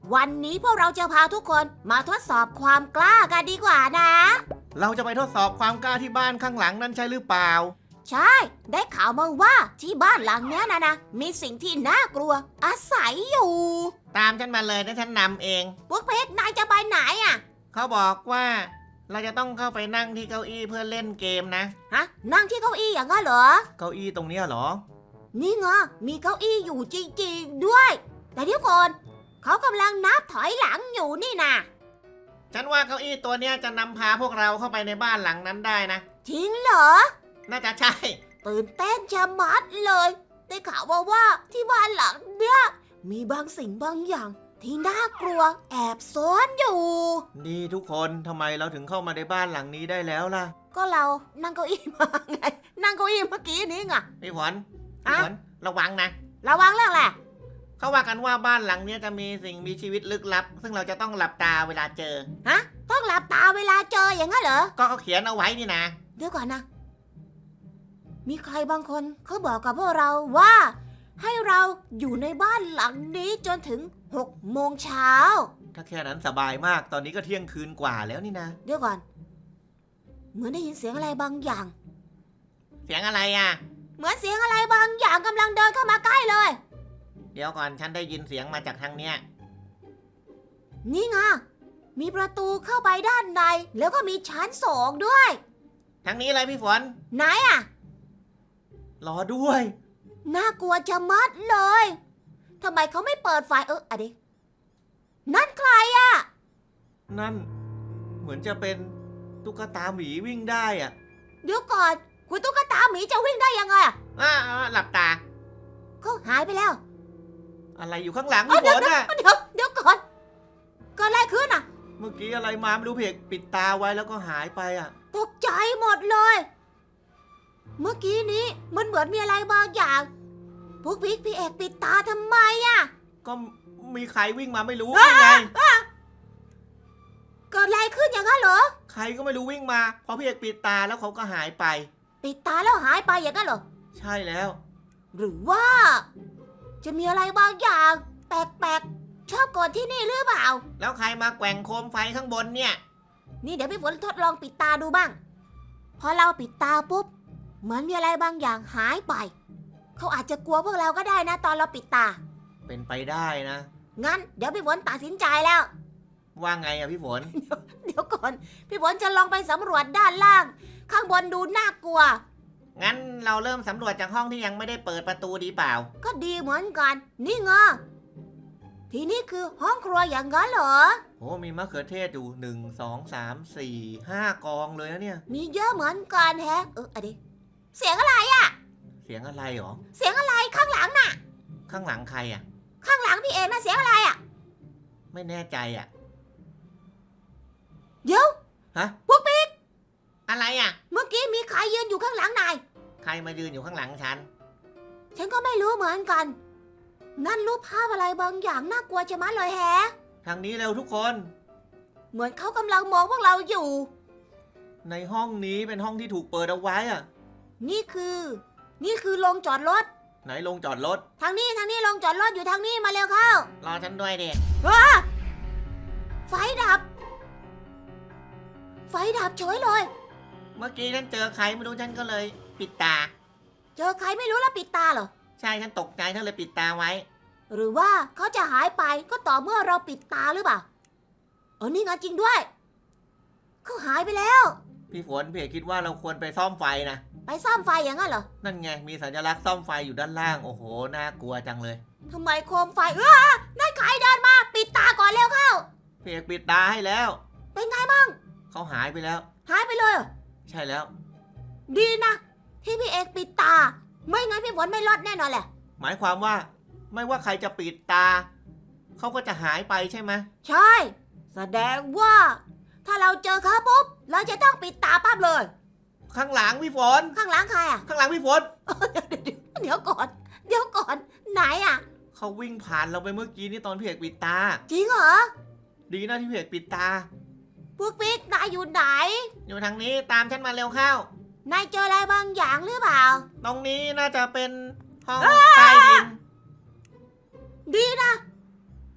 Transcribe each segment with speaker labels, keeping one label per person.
Speaker 1: วันนี้พวกเราจะพาทุกคนมาทดสอบความกล้ากันดีกว่านะ
Speaker 2: เราจะไปทดสอบความกล้าที่บ้านข้างหลังนั่นใช่หรือเปล่า
Speaker 1: ใช่ ได้ข่าวมาว่าที่บ้านหลังเนี้ยนะมีสิ่งที่น่ากลัวอาศัยอยู่
Speaker 2: ตามฉันมาเลยนะฉันนำเอง
Speaker 1: พวกเพชรนายจะไปไหนอ่ะ
Speaker 2: เขาบอกว่าเราจะต้องเข้าไปนั่งที่เก้าอี้เพื่อเล่นเกมนะ
Speaker 1: ฮะ นั่งที่เก้าอี้อย่างนั้นเหรอ
Speaker 2: เก้าอี้ตรงเนี้ยเหรอ
Speaker 1: นี่ไงมีเก้าอี้อยู่จริงๆด้วย แต่เดี๋ยวก่อนเขากำลังนับถอยหลังอยู่นี่นะ
Speaker 2: ฉันว่าเก้าอี้ตัวเนี้ยจะนำพาพวกเราเข้าไปในบ้านหลังนั้นได้นะ
Speaker 1: จริงเหรอ
Speaker 2: น่าจะใช่
Speaker 1: ตื่นเต้นชะมัดเลย ได้ข่าวว่าที่บ้านหลังเนี้ยมีบางสิ่งบางอย่างที่น่ากลัวแอบซ่อนอยู่
Speaker 2: นี่ทุกคนทำไมเราถึงเข้ามาในบ้านหลังนี้ได้แล้วล่ะ
Speaker 1: ก็เรานั่งเก้าอี้มาไง นั่งเก้าอี้เมื่อกี้นี้ไง
Speaker 2: พี่ฝนพี่ฝนระวังนะ
Speaker 1: ระวังเรื่องแหละ
Speaker 2: เขาว่ากันว่าบ้านหลังเนี้ยจะมีสิ่งมีชีวิตลึกลับ ซึ่งเราจะต้องหลับตาเวลาเจอ
Speaker 1: ฮะ ต้องหลับตาเวลาเจออย่างนั้นเหรอ
Speaker 2: ก็เขาเขียนเอาไว้นี่นะ
Speaker 1: เดี๋ยวก่อนนะ มีใครบางคนเขาบอกกับพวกเราว่า ให้เราอยู่ในบ้านหลังนี้จนถึง6 โมงเช้า
Speaker 2: ถ้าแค่นั้นสบายมากตอนนี้ก็เที่ยงคืนกว่าแล้วนี่นะ
Speaker 1: เดี๋ยวก่อน เหมือนได้ยินเสียงอะไรบางอย่าง
Speaker 2: เสียงอะไรอ่ะ
Speaker 1: เหมือนเสียงอะไรบางอย่างกำลังเดินเข้ามาใกล้เลย
Speaker 2: เดี๋ยวก่อนฉันได้ยินเสียงมาจากทางเนี้ย
Speaker 1: นี่ไง มีประตูเข้าไปด้านใน แล้วก็มีชั้น2ด้วย
Speaker 2: ทางนี้เลยพี่ฝน
Speaker 1: ไหนอะ
Speaker 2: รอด้วย
Speaker 1: น่ากลัวจะมัดเลย ทำไมเขาไม่เปิดไฟอะดินั่นใครอะ
Speaker 2: นั่น เหมือนจะเป็นตุ๊กตาหมีวิ่งได้อ่ะ
Speaker 1: เดี๋ยวก่อน คุณตุ๊กตาหมีจะวิ่งได้ยังไงอะ
Speaker 2: หลับตา
Speaker 1: เขาหายไปแล้ว
Speaker 2: อะไรอยู่ข้างหลังพี่ฝนอ่ะ
Speaker 1: เดี๋ยวก่อนเกิดอะไรขึ้นอะ
Speaker 2: เมื่อกี้อะไรมาไม่รู้เพกปิดตาไว้แล้วก็หายไปอ่ะ
Speaker 1: ตกใจหมดเลย เมื่อกี้นี้มันเหมือนมีอะไรบางอย่างพวกพี่เอกปิดตาทำไมอะ
Speaker 2: ก็มีใครวิ่งมาไม่รู้ยังไง
Speaker 1: เกิดอะไรขึ้นอย่างนั้นเหรอ
Speaker 2: ใครก็ไม่รู้วิ่งมาพอพี่เอกปิดตาแล้วเขาก็หายไป
Speaker 1: ปิดตาแล้วหายไปอย่างนั้นเหรอ
Speaker 2: ใช่แล้ว
Speaker 1: หรือว่า จะมีอะไรบางอย่างแปลกๆชอบก่อนที่นี่หรือเปล่า
Speaker 2: แล้วใครมาแกว่งโคมไฟข้างบนเนี่ย
Speaker 1: นี่เดี๋ยวพี่ฝนทดลองปิดตาดูบ้าง พอเราปิดตาปุ๊บเหมือนมีอะไรบางอย่างหายไป เขาอาจจะกลัวพวกเราก็ได้นะตอนเราปิดตา
Speaker 2: เป็นไปได้นะ
Speaker 1: งั้นเดี๋ยวพี่ฝนตัดสินใจแล้ว
Speaker 2: ว่าไงอะพี่ฝน
Speaker 1: เดี๋ยวก่อน พี่ฝนจะลองไปสำรวจด้านล่าง ข้างบนดูน่ากลัว
Speaker 2: งั้นเราเริ่มสำรวจจากห้องที่ยังไม่ได้เปิดประตูดีเปล่า
Speaker 1: ก็ดีเหมือนกัน นี่ไงที่นี่คือห้องครัวอย่างนั้นเหรอ
Speaker 2: โอ้มีมะเขือเทศอยู่1 2 3 4 5 กองเลยนะเนี่ย
Speaker 1: มีเยอะเหมือนกันแฮะอะดิเสียงอะไร
Speaker 2: เสียงอะไรหรอ
Speaker 1: เสียงอะไรข้างหลังน่ะ
Speaker 2: ข้างหลังใครอะ
Speaker 1: ข้างหลังพี่เอ็นะเสียงอะไรอ่ะ
Speaker 2: ไม่แน่ใจอะ
Speaker 1: เดี๋ยว
Speaker 2: ฮะ
Speaker 1: พวกปิ๊ก
Speaker 2: อะไรอะ
Speaker 1: เมื่อกี้มีใครยืนอยู่ข้างหลังนาย
Speaker 2: ใครมายืนอยู่ข้างหลังฉัน
Speaker 1: ฉันก็ไม่รู้เหมือนกัน นั่นรูปภาพอะไรบางอย่างน่ากลัวจะมัดเลยแฮะ
Speaker 2: ทางนี้เร็วทุกคน
Speaker 1: เหมือนเขากำลังมองพวกเราอยู่
Speaker 2: ในห้องนี้เป็นห้องที่ถูกเปิดเอาไว้อะ
Speaker 1: นี่คือโรงจอดรถ
Speaker 2: ไหนลงจอดรถ
Speaker 1: ทางนี้โรงจอดรถอยู่ทางนี้มาเร็วเข้าร
Speaker 2: อฉันด้วยเด็ก
Speaker 1: ไฟดับ ไฟดับเฉยเลย
Speaker 2: เมื่อกี้ฉันเจอใครไม่รู้ฉันก็เลยปิดตา
Speaker 1: เจอใครไม่รู้แล้วปิดตาเหรอ
Speaker 2: ใช่ฉันตกใจฉันเลยปิดตาไว้
Speaker 1: หรือว่าเขาจะหายไปก็ต่อเมื่อเราปิดตาหรือเปล่านี่ไงจริงด้วย เขาหายไปแล้ว
Speaker 2: พี่ฝนพี่เอกคิดว่าเราควรไปซ่อมไฟนะ
Speaker 1: ไปซ่อมไฟอย่างนั้นเหรอ
Speaker 2: นั่นไงมีสัญลักษณ์ซ่อมไฟอยู่ด้านล่างโอ้โหน่ากลัวจังเลย
Speaker 1: ทำไมโคมไฟนั่นใครเดินมาปิดตาก่อนเร็วเข้า
Speaker 2: พี่เอกปิดตาให้แล้ว
Speaker 1: เป็นไงบ้าง
Speaker 2: เขาหายไปแล้ว
Speaker 1: หายไปเลยเหรอ
Speaker 2: ใช่แล้ว
Speaker 1: ดีนะที่พี่เอกปิดตา ไม่งั้นพี่ฝนไม่รอดแน่นอนแหละ
Speaker 2: หมายความว่าไม่ว่าใครจะปิดตาเขาก็จะหายไปใช่ไหม
Speaker 1: ใช่ แสดงว่า ถ้าเราเจอเขาปุ๊บเราจะต้องปิดตาปั๊บเลย
Speaker 2: ข้างหลังพี่ฝน
Speaker 1: ข้างหลังใครอ่ะ
Speaker 2: ข้างหลังพี่ฝน
Speaker 1: เดี๋ยวก่อน ไหนอ่ะ
Speaker 2: เขาวิ่งผ่านเราไปเมื่อกี้นี่ตอนพี่เอกปิดตา
Speaker 1: จริงเหรอ
Speaker 2: ดีนะที่พี่เอกปิดตา
Speaker 1: พวกปิ๊กนายอยู่ไหน
Speaker 2: อยู่ทางนี้ตามฉันมาเร็วเข้าน
Speaker 1: ายเจออะไรบางอย่างหรือเปล่า
Speaker 2: ตรงนี้น่าจะเป็นห้องใต้ดิน
Speaker 1: ดีนะ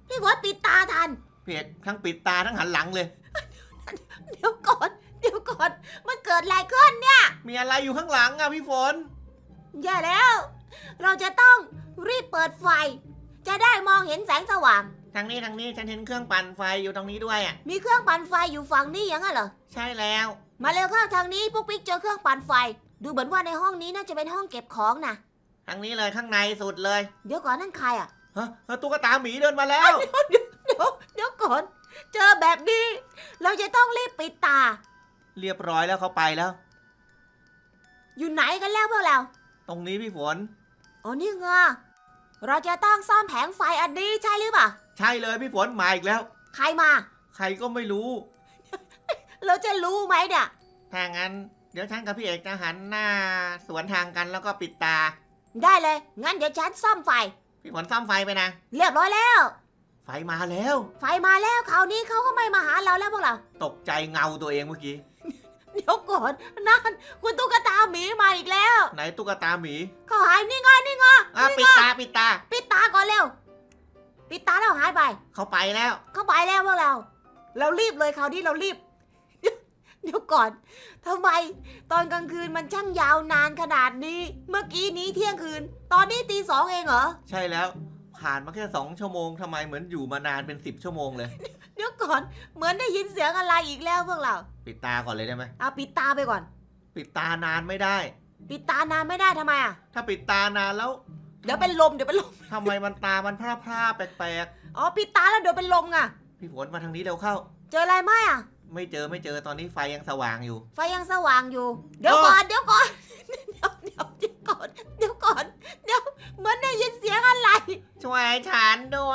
Speaker 1: พี่ฝนปิดตาทัน
Speaker 2: พี่เอกทั้งปิดตาทั้งหันหลังเลย
Speaker 1: เดี๋ยวก่อน มันเกิดอะไรขึ้นเนี่ย
Speaker 2: มีอะไรอยู่ข้างหลังอะพี่ฝน
Speaker 1: แย่แล้ว เราจะต้องรีบเปิดไฟ จะได้มองเห็นแสงสว่าง
Speaker 2: ทางนี้ฉันเห็นเครื่องปั่นไฟอยู่ตรงนี้ด้วยอะ
Speaker 1: มีเครื่องปั่นไฟอยู่ฝั่งนี้อย่างนั้นเหรอ
Speaker 2: ใช่แล้ว
Speaker 1: มาเร็วเข้าทางนี้พวกปิ๊กเจอเครื่องปั่นไฟ ดูเหมือนว่าในห้องนี้น่าจะเป็นห้องเก็บของนะ
Speaker 2: ทางนี้เลยข้างในสุดเลย
Speaker 1: เดี๋ยวก่อนนั่นใครอ่ะ
Speaker 2: ฮะตุ๊กตาหมีเดินมาแล้ว
Speaker 1: เดี๋ยวก่อน เจอแบบนี้ เราจะต้องรีบปิดตา
Speaker 2: เรียบร้อยแล้วเขาไปแล้ว
Speaker 1: อยู่ไหนกันแล้วพวกเรา
Speaker 2: ตรงนี้พี่ฝน
Speaker 1: อ๋อนี่ไงเราจะต้องซ่อมแผงไฟอันนี้ใช่หรือเปล่า
Speaker 2: ใช่เลยพี่ฝนมาอีกแล้ว
Speaker 1: ใครมา
Speaker 2: ใครก็ไม่รู้
Speaker 1: เราจะรู้ไหมเนี่ย
Speaker 2: ถ้างั้นเดี๋ยวฉันกับพี่เอกจะหันหน้าสวนทางกันแล้วก็ปิดตา
Speaker 1: ได้เลย งั้นเดี๋ยวฉันซ่อมไฟ
Speaker 2: พี่ฝนซ่อมไฟไปนะ
Speaker 1: เรียบร้อยแล้ว
Speaker 2: ไฟมาแล้ว
Speaker 1: ไฟมาแล้วคราวนี้เขาก็ไม่มาหาเราแล้วพวกเรา
Speaker 2: ตกใจเงาตัวเองเมื่อกี้
Speaker 1: เดี๋ยวก่อนนั่นคุณตุ๊กตาหมีมาอีกแล้ว
Speaker 2: ไหนตุ๊กตาหมี
Speaker 1: เขาหายนี่ไง
Speaker 2: ปิดตา
Speaker 1: ปิดตาก่อนเร็ว ปิดตาแล้วหายไป
Speaker 2: เขาไปแล้ว
Speaker 1: เข้าไปแล้วพวกเรา เรารีบเลยคราวนี้เรารีบ เดี๋ยวก่อนทำไมตอนกลางคืนมันช่างยาวนานขนาดนี้ เมื่อกี้นี้เที่ยงคืน ตอนนี้ตี 2เองเหรอ
Speaker 2: ใช่แล้ว ผ่านมาแค่2 ชั่วโมงทำไมเหมือนอยู่มานานเป็น10 ชั่วโมงเลย
Speaker 1: เดี๋ยวก่อน เหมือนได้ยินเสียงอะไรอีกแล้วพวกเรา
Speaker 2: ปิดตาก่อนเลยได้ไหม
Speaker 1: เอาปิดตาไปก่อน
Speaker 2: ปิดตานานไม่ได้
Speaker 1: ปิดตานานไม่ได้ทำไมอ่ะ
Speaker 2: ถ้าปิดตานานแล้ว
Speaker 1: เดี๋ยวเป็นลม
Speaker 2: ทำไมมันตามันพร่าๆแปลก
Speaker 1: อ๋อปิดตาแล้วเดี๋ยวเป็นลมไง
Speaker 2: ๆพี่ฝนมาทางนี้เร็วเข้า
Speaker 1: เจออะไรไหมอ่ะ
Speaker 2: ไม่เจอตอนนี้ไฟยังสว่างอยู่
Speaker 1: ไฟยังสว่างอยู่ เดี๋ยวก่อน เดี๋ยวก่อน เดี๋ยวเหมือนได้ยินเสียงอะไร
Speaker 2: ช่วยฉันด้วย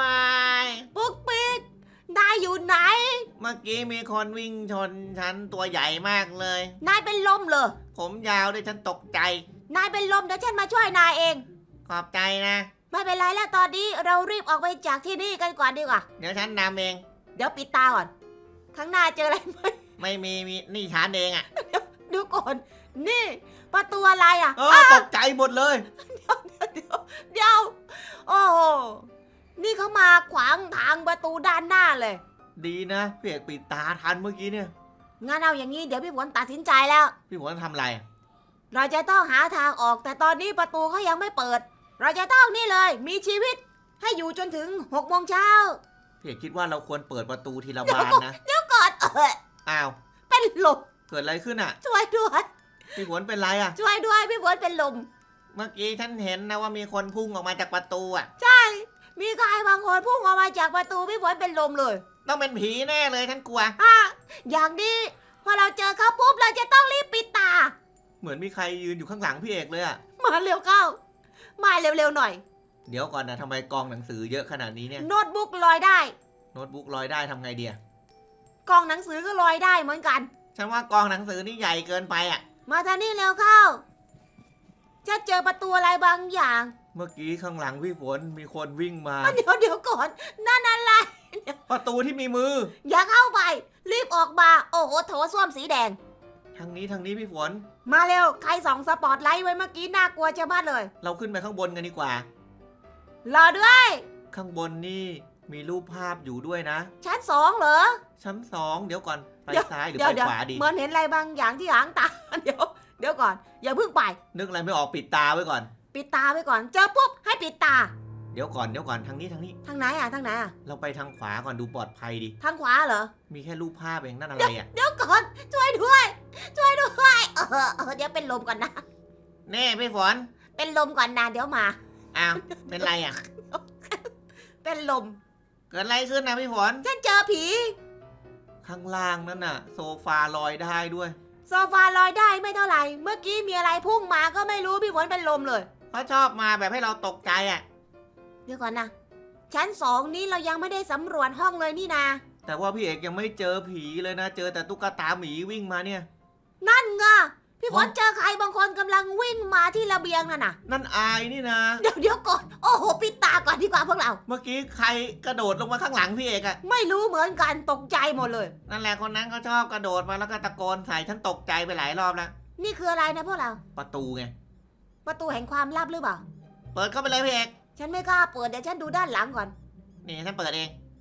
Speaker 1: ปุ๊กปิ๊กนายอยู่ไหน
Speaker 2: เมื่อกี้มีคนวิ่งชนฉันตัวใหญ่มากเลย
Speaker 1: นายเป็นลมเหรอ
Speaker 2: ผมยาวด้วยฉันตกใจ
Speaker 1: นายเป็นลมเดี๋ยวฉันมาช่วยนายเอง
Speaker 2: ขอบใจนะ
Speaker 1: ไม่เป็นไรแล้วตอนนี้เรารีบออกไปจากที่นี่กันก่อนดีกว่า
Speaker 2: เดี๋ยวฉันนำเอง
Speaker 1: เดี๋ยวปิดตาก่อน ข้างหน้าเจออะไรไหม
Speaker 2: ไม่มีนี่ฉันเองอะ
Speaker 1: ดูก่อน นี่ ประตูอะไรอ่ะ
Speaker 2: ตกใจหมดเลย
Speaker 1: เดี๋ยว โอ้โห นี่เขามาขวางทางประตูด้านหน้าเลย
Speaker 2: ดีนะพี่เอกปิดตาทันเมื่อกี้เนี่ย
Speaker 1: งั้นเอาอย่างนี้เดี๋ยวพี่ฝนตัดสินใจแล้ว
Speaker 2: พี่ฝนทำอะไร
Speaker 1: เราจะต้องหาทางออกแต่ตอนนี้ประตูเขายังไม่เปิด เราจะต้องนี่เลย มีชีวิตให้อยู่จนถึง6 โมงเช้า
Speaker 2: พี่เอกคิดว่าเราควรเปิดประตูทีละบานนะ
Speaker 1: ก่อน
Speaker 2: อ้าว
Speaker 1: เป็นลม
Speaker 2: เกิดอะไรขึ้นอะ
Speaker 1: ช่วยด้วย
Speaker 2: พี่ฝนเป็นไรอะ
Speaker 1: ช่วยด้วยพี่ฝนเป็นลม
Speaker 2: เมื่อกี้ฉันเห็นนะว่ามีคนพุ่งออกมาจากประตูอะ
Speaker 1: ใช่ มีใครบางคนพุ่งออกมาจากประตูพี่ฝนเป็นลมเลย
Speaker 2: ต้องเป็นผีแน่เลยฉันกลัว
Speaker 1: อย่างนี้พอเราเจอเขาปุ๊บเราจะต้องรีบปิดตา
Speaker 2: เหมือนมีใครยืนอยู่ข้างหลังพี่เอกเลยอะ
Speaker 1: มาเร็วเข้า มาเร็วๆหน่อย
Speaker 2: เดี๋ยวก่อนนะทำไมกองหนังสือเยอะขนาดนี้เนี่ย
Speaker 1: โน้ตบุ๊กลอยได้
Speaker 2: โน้ตบุ๊กลอยได้ทำไงเดีย
Speaker 1: กล่องหนังสือก็ลอยได้เหมือนกัน
Speaker 2: ฉันว่ากองหนังสือนี่ใหญ่เกินไปอะ
Speaker 1: มาทางนี้เร็วเข้าจะเจอประตูอะไรบางอย่าง
Speaker 2: เมื่อกี้ข้างหลังพี่ฝนมีคนวิ่งมา
Speaker 1: เดี๋ยวก่อนนั่นอะไร
Speaker 2: ประตูที่มีมือ
Speaker 1: อย่าเข้าไป รีบออกมา โอ้โหโถส้วมสีแดง
Speaker 2: ทางนี้พี่ฝน
Speaker 1: มาเร็ว ใครส่องสปอตไลท์ไว้เมื่อกี้น่ากลัวจะบ้าเลย
Speaker 2: เราขึ้นไปข้างบนกันดีกว่า
Speaker 1: รอด้วย
Speaker 2: ข้างบนนี่มีรูปภาพอยู่ด้วยนะ
Speaker 1: ชั้น 2เหรอ
Speaker 2: ชั้น2เดี๋ยวก่อนไปซ้ายหรือ
Speaker 1: เดี๋ยว
Speaker 2: ไปขวาดี
Speaker 1: เหมือนเห็นอะไรบางอย่างที่หางตา เดี๋ยวก่อน อย่าเพิ่งไป
Speaker 2: นึกอะไรไม่ออกปิดตาไว้ก่อน
Speaker 1: ปิดตาไว้ก่อน เจอปุ๊บให้ปิดตา
Speaker 2: เดี๋ยวก่อนทางนี้
Speaker 1: ทางไหนทางไหน
Speaker 2: เราไปทางขวาก่อนดูปลอดภัยดี
Speaker 1: ทางขวาเหรอ
Speaker 2: มีแค่รูปภาพเองนั่นอะไรอ่ะ
Speaker 1: เดี๋ยวก่อน ช่วยด้วย เดี๋ยวเป็นลมก่อนนะ
Speaker 2: แน่พี่ฝน
Speaker 1: เป็นลมก่อนนะเดี๋ยวมา
Speaker 2: อ้าวเป็นไรอ่ะ
Speaker 1: เป็นลม
Speaker 2: เกิดอะไรขึ้นนะพี่ฝน
Speaker 1: ฉันเจอผี
Speaker 2: ข้างล่างนั่นน่ะ โซฟาลอยได้ด้วย
Speaker 1: โซฟาลอยได้ไม่เท่าไหร่ เมื่อกี้มีอะไรพุ่งมาก็ไม่รู้พี่ฝนเป็นลมเลย
Speaker 2: เขาชอบมาแบบให้เราตกใจอ่ะ
Speaker 1: เดี๋ยวก่อนนะ ชั้น 2นี้เรายังไม่ได้สำรวจห้องเลยนี่นา
Speaker 2: แต่ว่าพี่เอกยังไม่เจอผีเลยนะ เจอแต่ตุ๊กตาหมีวิ่งมาเนี่ย
Speaker 1: นั่นไงพี่ฝนเจอใครบางคนกำลังวิ่งมาที่ระเบียงนั่นน่ะ
Speaker 2: นั่นอายนี่นะ
Speaker 1: เดี๋ยวก่อน โอ้โหปิดตาก่อนดีกว่าพวกเรา
Speaker 2: เมื่อกี้ใครกระโดดลงมาข้างหลังพี่เอกอะ
Speaker 1: ไม่รู้เหมือนกันตกใจหมดเลย
Speaker 2: นั่นแหละคนนั้นเขาชอบกระโดดมาแล้วก็ตะโกนใส่ฉันตกใจไปหลายรอบแล้ว
Speaker 1: นี่คืออะไรนะพวกเรา
Speaker 2: ประตูไง
Speaker 1: ประตูแห่งความลับหรือเปล่า
Speaker 2: เปิดเข้าไปเลยพี่เอก
Speaker 1: ฉันไม่กล้าเปิดเดี๋ยวฉันดูด้านหลังก่อน
Speaker 2: นี่ฉันเปิดเอง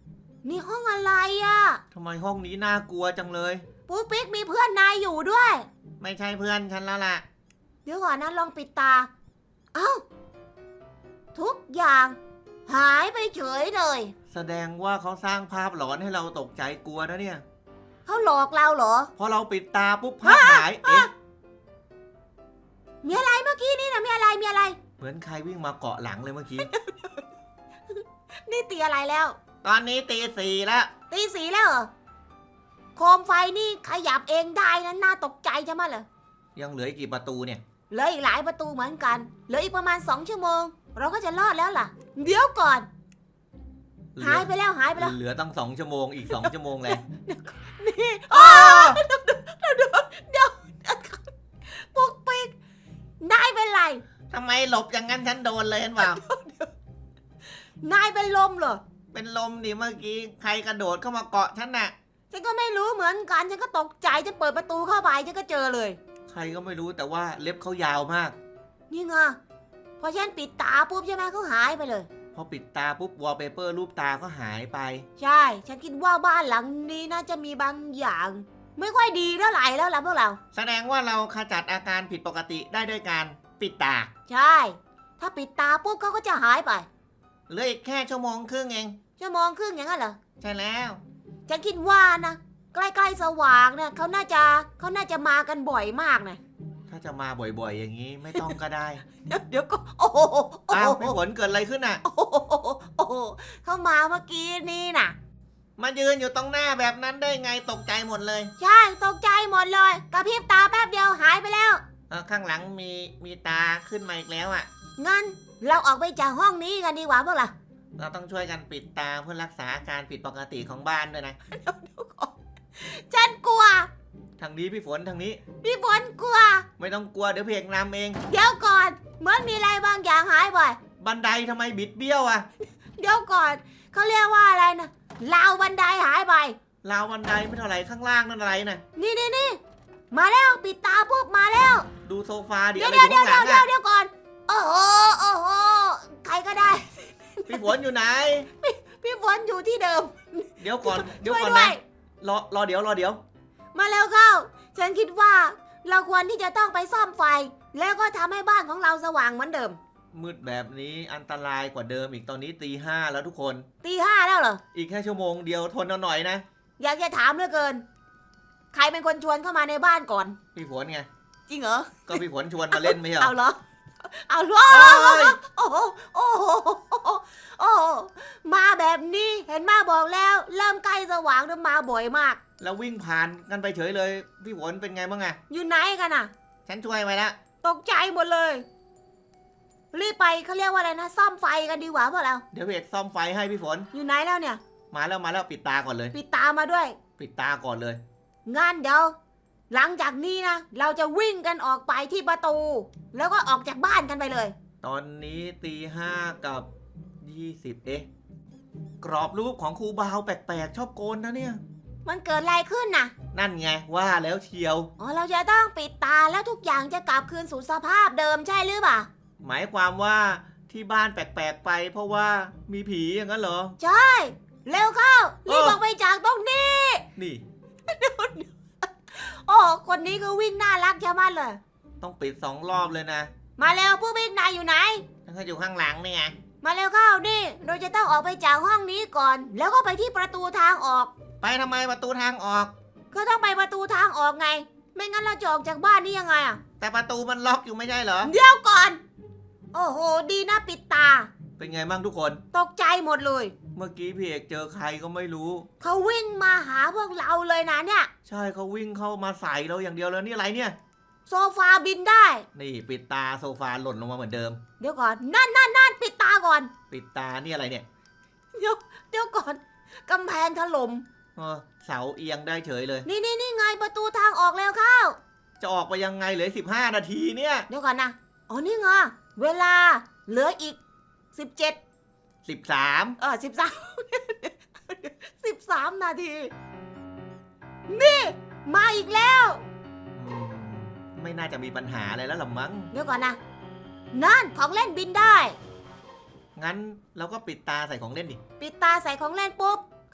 Speaker 1: นี่ห้องอะไรอะ
Speaker 2: ทำไมห้องนี้น่ากลัวจังเลย
Speaker 1: ปุ๊กปิ๊กมีเพื่อนนายอยู่ด้วย
Speaker 2: ไม่ใช่เพื่อนฉันแล้วล่ะ
Speaker 1: เดี๋ยวก่อนนะลองปิดตา เอ้า ทุกอย่างหายไปเฉยเลย
Speaker 2: แสดงว่าเขาสร้างภาพหลอนให้เราตกใจกลัวนะเนี่ย
Speaker 1: เขาหลอกเราเหรอ
Speaker 2: พอเราปิดตาปุ๊บภาพหาย เอ๊ะ
Speaker 1: มีอะไรเมื่อกี้นี่นะมีอะไร
Speaker 2: เหมือนใครวิ่งมาเกาะหลังเลยเมื่อกี้
Speaker 1: นี่ตีอะไรแล้ว
Speaker 2: ตอนนี้ตี 4แล้ว
Speaker 1: ตีสีแล้วเหรอ โคมไฟนี่ขยับเองได้นะน่าตกใจใช่ไหมเหรอ
Speaker 2: ยังเหลืออีกกี่ประตูเนี่ย
Speaker 1: เหลืออีกหลายประตูเหมือนกัน เหลืออีกประมาณ2 ชั่วโมง เราก็จะรอดแล้วล่ะ เดี๋ยวก่อน หายไปแล้ว
Speaker 2: เหลือตั้ง2 ชั่วโมงอีก2 ชั่วโมงเลย
Speaker 1: นี่
Speaker 2: อ้าว
Speaker 1: เดี๋ยวปุ๊กปิ๊กนายเป็นไร
Speaker 2: ทำไมหลบอย่างนั้นฉันโดนเลยเห็นเปล่า
Speaker 1: นายเป็นลมเหรอ
Speaker 2: เป็นลมดิเมื่อกี้ใครกระโดดเข้ามาเกาะฉันน่ะ
Speaker 1: ฉันก็ไม่รู้เหมือนกัน ฉันก็ตกใจจะเปิดประตูเข้าไปฉันก็เจอเลย
Speaker 2: ใครก็ไม่รู้แต่ว่าเล็บเขายาวมาก
Speaker 1: นี่ไงพอฉันปิดตาปุ๊บใช่ไหมเขาหายไปเลย
Speaker 2: พอปิดตาปุ๊บวอลเปเปอร์รูปตาก็หายไป
Speaker 1: ใช่ ฉันคิดว่าบ้านหลังนี้น่าจะมีบางอย่าง ไม่ค่อยดีเท่าไหร่แล้วล่ะพวกเรา
Speaker 2: แสดงว่าเราขจัดอาการผิดปกติได้ด้วยการปิดตา
Speaker 1: ใช่ ถ้าปิดตาปุ๊บเขาก็จะหายไป
Speaker 2: เหลืออีกแค่ชั่วโมงครึ่งเอง
Speaker 1: ชั่วโมงครึ่งอย่างนั้นเหรอ
Speaker 2: ใช่แล้ว
Speaker 1: ฉันคิดว่านะ ใกล้ๆสว่างเนี่ยเขาน่าจะมากันบ่อยมากนะ
Speaker 2: ถ้าจะมาบ่อยๆอย่างนี้ไม่ต้องก็ได้
Speaker 1: เดี๋ยวก็โอ้โห
Speaker 2: อ้าวพี่ฝนเกิดอะไรขึ้นน่ะ
Speaker 1: โอ้โหเขามาเมื่อกี้นี่น่ะ
Speaker 2: มายืนอยู่ตรงหน้าแบบนั้นได้ไงตกใจหมดเลย
Speaker 1: ใช่ตกใจหมดเลยกระพริบตาแป๊บเดียวหายไปแล้ว
Speaker 2: ข้างหลังมีตาขึ้นมาอีกแล้วอ่ะ
Speaker 1: งั้นเราออกไปจากห้องนี้กันดีกว่าพวกเรา
Speaker 2: เราต้องช่วยกันปิดตาเพื่อรักษาอาการผิดปกติของบ้านด้วยนะ
Speaker 1: ฉันกลัว
Speaker 2: ทางนี้พี่ฝนทางนี้
Speaker 1: พี่ฝนกลัว
Speaker 2: ไม่ต้องกลัวเดี๋ยวเพลงนำเอง
Speaker 1: เดี๋ยวก่อน เหมือนมีอะไรบางอย่างหายไป
Speaker 2: บันไดทำไมบิดเบี้ยวอ่ะ
Speaker 1: เดี๋ยวก่อนเขาเรียกว่าอะไรนะราวบันไดหายไป
Speaker 2: ราวบันไดไม่เท่าไหร่ข้างล่างนั่นอะไรน่ะ
Speaker 1: นี่มาแล้วปิดตาปุ๊บมาแล้ว
Speaker 2: ดูโซฟาดิ
Speaker 1: เดี๋ยว
Speaker 2: อะไรอยู่ข้างหลังอ่ะ
Speaker 1: เดี๋ยวก่อน โอ้โหใครก็ได้
Speaker 2: พี่ฝนอยู่ไหน
Speaker 1: พี่ฝนอยู่ที่เดิม
Speaker 2: เดี๋ยวก่อน
Speaker 1: ช่วย
Speaker 2: ก่อน
Speaker 1: ด้ว
Speaker 2: นะ
Speaker 1: ย
Speaker 2: รอเดี๋ยว
Speaker 1: มาแล้วเข้า ฉันคิดว่าเราควรที่จะต้องไปซ่อมไฟ แล้วก็ทำให้บ้านของเราสว่างเหมือนเดิม
Speaker 2: มืดแบบนี้อันตรายกว่าเดิมอีกตอนนี้ตี 5แล้วทุกคน
Speaker 1: ตี 5แล้วเหรอ
Speaker 2: อีกแค่ชั่วโมงเดียวทนเอาหน่อยนะ
Speaker 1: อยากจะถามเหลือเกิน ใครเป็นคนชวนเข้ามาในบ้านก่อน
Speaker 2: พี่ฝนไง
Speaker 1: จริงเหรอ
Speaker 2: ก็พี่ฝนชวนมาเล่นไม่ใช่เหร
Speaker 1: เอา
Speaker 2: อ
Speaker 1: เหรอ เอาเหรอ
Speaker 2: เอ้ย
Speaker 1: โอ้โหโอ้โหโอ้โหมาแบบนี้เห็นมาบอกแล้ว เริ่มใกล้สว่างแล้วมาบ่อยมาก
Speaker 2: แล้ววิ่งผ่านกันไปเฉยเลย พี่ฝนเป็นไงบ้างอะ
Speaker 1: อยู่ไหนกันน่ะ
Speaker 2: ฉันช่วยไว้แล้ว
Speaker 1: ตกใจหมดเลย รีบไปเขาเรียกว่าอะไรนะซ่อมไฟกันดีกว่าพวกเรา
Speaker 2: เดี๋ยวเพจซ่อมไฟให้พี่ฝน
Speaker 1: อยู่ไหนแล้วเนี่ย
Speaker 2: มาแล้วปิดตาก่อนเลย
Speaker 1: ปิดตามาด้วย
Speaker 2: ปิดตาก่อนเลย
Speaker 1: งานเดี๋ยวหลังจากนี้นะเราจะวิ่งกันออกไปที่ประตู แล้วก็ออกจากบ้านกันไปเลย
Speaker 2: ตอนนี้ตี 5กับ20กรอบรูปของครูบาวแปลกๆชอบโกนนะเนี่ย
Speaker 1: มันเกิดอะไรขึ้นน่ะ
Speaker 2: นั่นไงว่าแล้วเชียว
Speaker 1: อ๋อเราจะต้องปิดตาแล้วทุกอย่างจะกลับคืนสู่สภาพเดิมใช่หรือเปล่า
Speaker 2: หมายความว่าที่บ้านแปลกๆไป เพราะว่ามีผีอย่างนั้นเหรอ
Speaker 1: ใช่ เร็วเข้ารีบออกไปจากตรงนี้
Speaker 2: นี่
Speaker 1: โอ้คนนี้ก็วิ่งน่ารักชะมัดเลย
Speaker 2: ต้องปิด2 รอบเลยนะ
Speaker 1: มาเร็วผู้วิ่งนายอยู่ไหน
Speaker 2: ถ้าอยู่ข้างหลังนี่ไง
Speaker 1: มาเร็วเข้านี่เราจะต้องออกไปจากห้องนี้ก่อน แล้วก็ไปที่ประตูทางออก
Speaker 2: ไปทำไมประตูทางออก
Speaker 1: ก็ต้องไปประตูทางออกไง ไม่งั้นเราจะออกจากบ้านนี้ยังไงอ่ะ
Speaker 2: แต่ประตูมันล็อกอยู่ไม่ใช่เหรอ
Speaker 1: เดี๋ยวก่อน โอ้โห ดีนะปิดตา
Speaker 2: เป็นไงบ้างทุกคน
Speaker 1: ตกใจหมดเลย
Speaker 2: เมื่อกี้พี่เอกเจอใครก็ไม่รู้
Speaker 1: เขาวิ่งมาหาพวกเราเลยนะเนี่ย
Speaker 2: ใช่เขาวิ่งเข้ามาใส่เราอย่างเดียวแล้วนี่อะไรเนี่ย
Speaker 1: โซฟาบินได้
Speaker 2: นี่ปิดตาโซฟาหล่นลงมาเหมือนเดิม
Speaker 1: เดี๋ยวก่อน นั่นปิดตาก่อน
Speaker 2: ปิดตานี่อะไรเนี่ย
Speaker 1: เดี๋ยวก่อนกำแพงถล่ม
Speaker 2: เสาเอียงได้เฉยเลย
Speaker 1: นี่ไงประตูทางออกแล้วเข้า
Speaker 2: จะออกไปยังไงเหลือ15 นาทีเนี่ย
Speaker 1: เดี๋ยวก่อนนะ อ๋อนี่ไงเวลาเหลืออีก17
Speaker 2: 13
Speaker 1: 13 นาที นี่ มาอีกแล้ว
Speaker 2: ไม่น่าจะมีปัญหาอะไรแล้วหรอมั้ง
Speaker 1: เดี๋ยวก่อนนะ นั่นของเล่นบินได้
Speaker 2: งั้นเราก็ปิดตาใส่ของเล่นดิ
Speaker 1: ปิดตาใส่ของเล่นปุ๊บ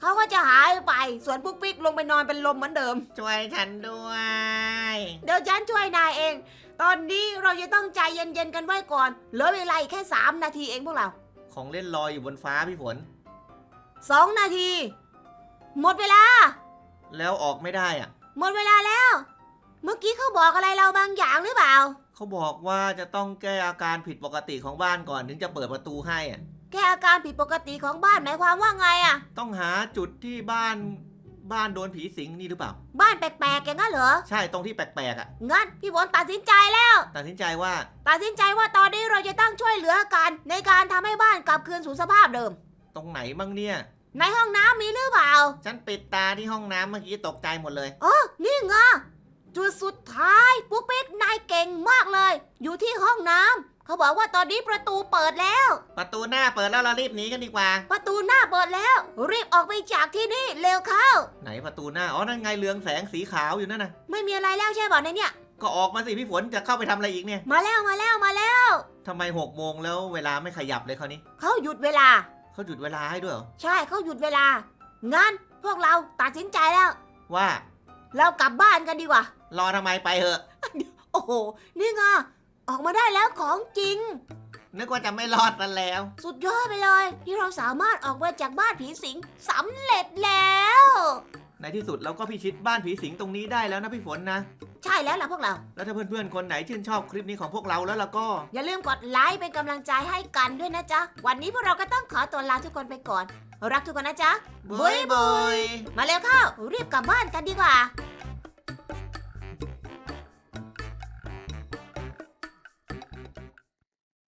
Speaker 1: เขาก็จะหายไปส่วนปุ๊กปิ๊กลงไปนอนเป็นลมเหมือนเดิม
Speaker 2: ช่วยฉันด้วย
Speaker 1: เดี๋ยวฉันช่วยนายเอง ตอนนี้เราจะต้องใจเย็นๆกันไว้ก่อนเหลือเวลาอีกแค่3 นาทีเองพวกเรา
Speaker 2: ของเล่นลอยอยู่บนฟ้าพี่ฝน
Speaker 1: 2 นาที หมดเวลา
Speaker 2: แล้วออกไม่ได้อะ
Speaker 1: หมดเวลาแล้ว เมื่อกี้เขาบอกอะไรเราบางอย่างหรือเปล่า
Speaker 2: เขาบอกว่าจะต้องแก้อาการผิดปกติของบ้านก่อนถึงจะเปิดประตูให้อะ
Speaker 1: แก้อาการผิดปกติของบ้านหมายความว่าไงอะ
Speaker 2: ต้องหาจุดที่บ้านโดนผีสิงนี่หรือเปล่า
Speaker 1: บ้านแปลกๆอย่างนั้นเหรอ
Speaker 2: ใช่ตรงที่แปลกๆอ่ะ
Speaker 1: งั้นพี่ฝนตัดสินใจแล้ว
Speaker 2: ตัดสินใจว่า
Speaker 1: ตัดสินใจว่าตอนนี้เราจะต้องช่วยเหลือกันในการทำให้บ้านกลับคืนสู่สภาพเดิม
Speaker 2: ตรงไหนบ้างเนี่ย
Speaker 1: ในห้องน้ำมีหรือเปล่า
Speaker 2: ฉันปิดตาที่ห้องน้ำเมื่อกี้ตกใจหมดเลย
Speaker 1: นี่ไงจุดสุดท้ายปุ๊กปิ๊กนายเก่งมากเลย อยู่ที่ห้องน้ำเขาบอกว่าตอนนี้ประตูเปิดแล้ว
Speaker 2: ประตูหน้าเปิดแล้วเรารีบหนีกันดีกว่า
Speaker 1: ประตูหน้าเปิดแล้ว รีบออกไปจากที่นี่เร็วเข้า
Speaker 2: ไหนประตูหน้าอ๋อนั่นไงเรืองแสงสีขาวอยู่นั่นน่ะ
Speaker 1: ไม่มีอะไรแล้วใช่ป่ะในเนี่ย
Speaker 2: ก็ออกมาสิพี่ฝนจะเข้าไปทำอะไรอีกเนี่ย
Speaker 1: มาแล้วมาแล้วมาแล้ว
Speaker 2: ทำไม6 โมงแล้วเวลาไม่ขยับเลยคราวนี้
Speaker 1: เขาหยุดเวลา
Speaker 2: เขาหยุดเวลาให้ด้วยเหรอ
Speaker 1: ใช่เขาหยุดเวลา งั้นพวกเราตัดสินใจแล้ว
Speaker 2: ว่า
Speaker 1: เรากลับบ้านกันดีกว่า
Speaker 2: รอทำไมไปเหอะ
Speaker 1: โอ้โห นี่ไงออกมาได้แล้วของจริง
Speaker 2: นึกว่าจะไม่รอดกันแล้ว
Speaker 1: สุดยอดไปเลย ที่เราสามารถออกมาจากบ้านผีสิงสำเร็จแล้ว
Speaker 2: ในที่สุดเราก็พิชิตบ้านผีสิงตรงนี้ได้แล้วนะพี่ฝนนะ
Speaker 1: ใช่แล้วล่ะพวกเรา
Speaker 2: แล้วถ้าเพื่อนๆคนไหนชื่นชอบคลิปนี้ของพวกเราแล้วล่ะก็
Speaker 1: อย่าลืมกดไลค์เป็นกำลังใจให้กันด้วยนะจ๊ะ วันนี้พวกเราก็ต้องขอตัวลาทุกคนไปก่อน รักทุกคนนะจ๊ะ
Speaker 2: บ๊ายบาย
Speaker 1: มาเร็วเข้า รีบกลับบ้านกันดีกว่า